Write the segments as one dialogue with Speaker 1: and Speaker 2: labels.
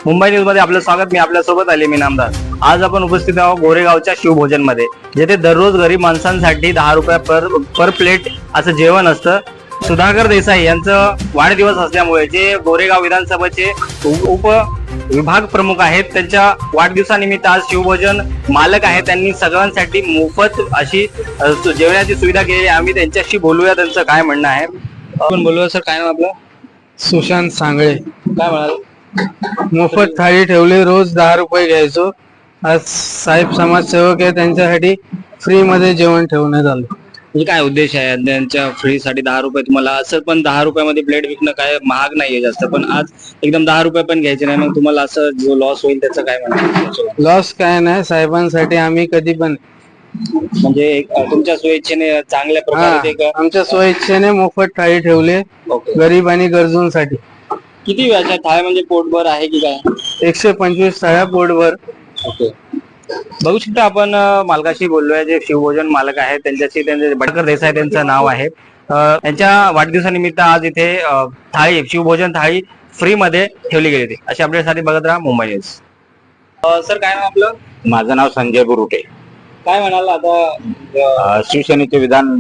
Speaker 1: Mumbai news मध्ये आपलं स्वागत. मी आपल्यासोबत आले मी नामदार. आज आपण उपस्थित आहोत गोरेगावच्या शिवभोजन मध्ये, जेथे दररोज गरीब माणसांसाठी 10 रुपये पर प्लेट असं जेवण असतं. सुधाकर देसाई यांचं वाढदिवस असल्यामुळे जे गोरेगाव विधानसभेचे उप विभाग प्रमुख आहेत, त्यांच्या वाढदिवसानिमित्त आज शिवभोजन मालक आहेत, त्यांनी सगळ्यांसाठी मोफत अशी जेवणाची सुविधा केली. आम्ही त्यांच्याशी बोलूया, त्यांचं काय म्हणणं आहे. आपण बोलूया. सर, काय नाव आपलं?
Speaker 2: सुशांत सांगळे.
Speaker 1: काय म्हणाल?
Speaker 2: मोफत थाळी ठेवली, रोज 10 रुपये घ्यायचो. आज साहेब समाजसेवक आहे, त्यांच्यासाठी फ्री मध्ये जेवण ठेवण्यात आलं.
Speaker 1: म्हणजे काय उद्देश आहे त्यांच्या फ्रीसाठी 10 रुपये? तुम्हाला असं पण 10 रुपयामध्ये प्लेट विकणं काय महाग नाहीये जास्त, पण आज एकदम 10 रुपये पण घ्यायचे नाही, मग तुम्हाला असं जो लॉस होईल त्याचं काय म्हणणं?
Speaker 2: लॉस काय नाही, साहेबांसाठी आम्ही कधी पण
Speaker 1: म्हणजे तुमच्या स्वइच्छेने चांगल्या प्रकारे
Speaker 2: आमच्या स्वइच्छेने मोफत थाळी ठेवले गरीब आणि गरजूंसाठी.
Speaker 1: किती व्याजात थाळी म्हणजे पोटभर आहे की काय?
Speaker 2: 125 थाळ्या पोटभर.
Speaker 1: ओके. बघू शकता आपण मालकाशी बोललोय, जे शिवभोजन मालक आहेत त्यांच्याशी. त्यांचे सुधाकर देसाई त्यांचं नाव आहे. त्यांच्या वाढदिवसानिमित्त आज इथे थाळी, शिवभोजन थाळी फ्री मध्ये ठेवली गेली होती. अशा अपडेटसाठी बघत राहा मुंबई न्यूज. सर, काय नाव आपलं?
Speaker 3: माझं नाव संजय बुरुटे.
Speaker 1: काय म्हणाल आता?
Speaker 3: शिवसेनेचे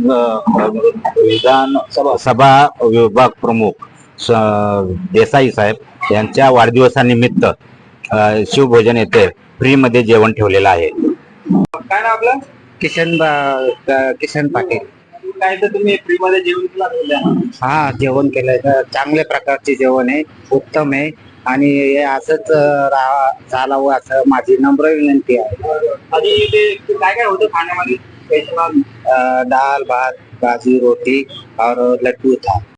Speaker 3: विधानसभा विभाग प्रमुख देसाई साहेब यांच्या वाढदिवसानिमित्त शिवभोजन येथे फ्री मध्ये जेवण ठेवलेलं आहे.
Speaker 1: काय नाव आपलं?
Speaker 2: किशन पाटील.
Speaker 1: काय तर तुम्ही फ्री मध्ये जेवण केलं?
Speaker 2: हा, जेवण केलंय. चांगल्या प्रकारचे जेवण आहे, उत्तम आहे, आणि हे असंच चालावं असं माझी नम्र विनंती आहे.
Speaker 1: आधी ते काय काय होतं खाण्यामध्ये?
Speaker 2: दाल भात भाजी रोटी और लड्डू था.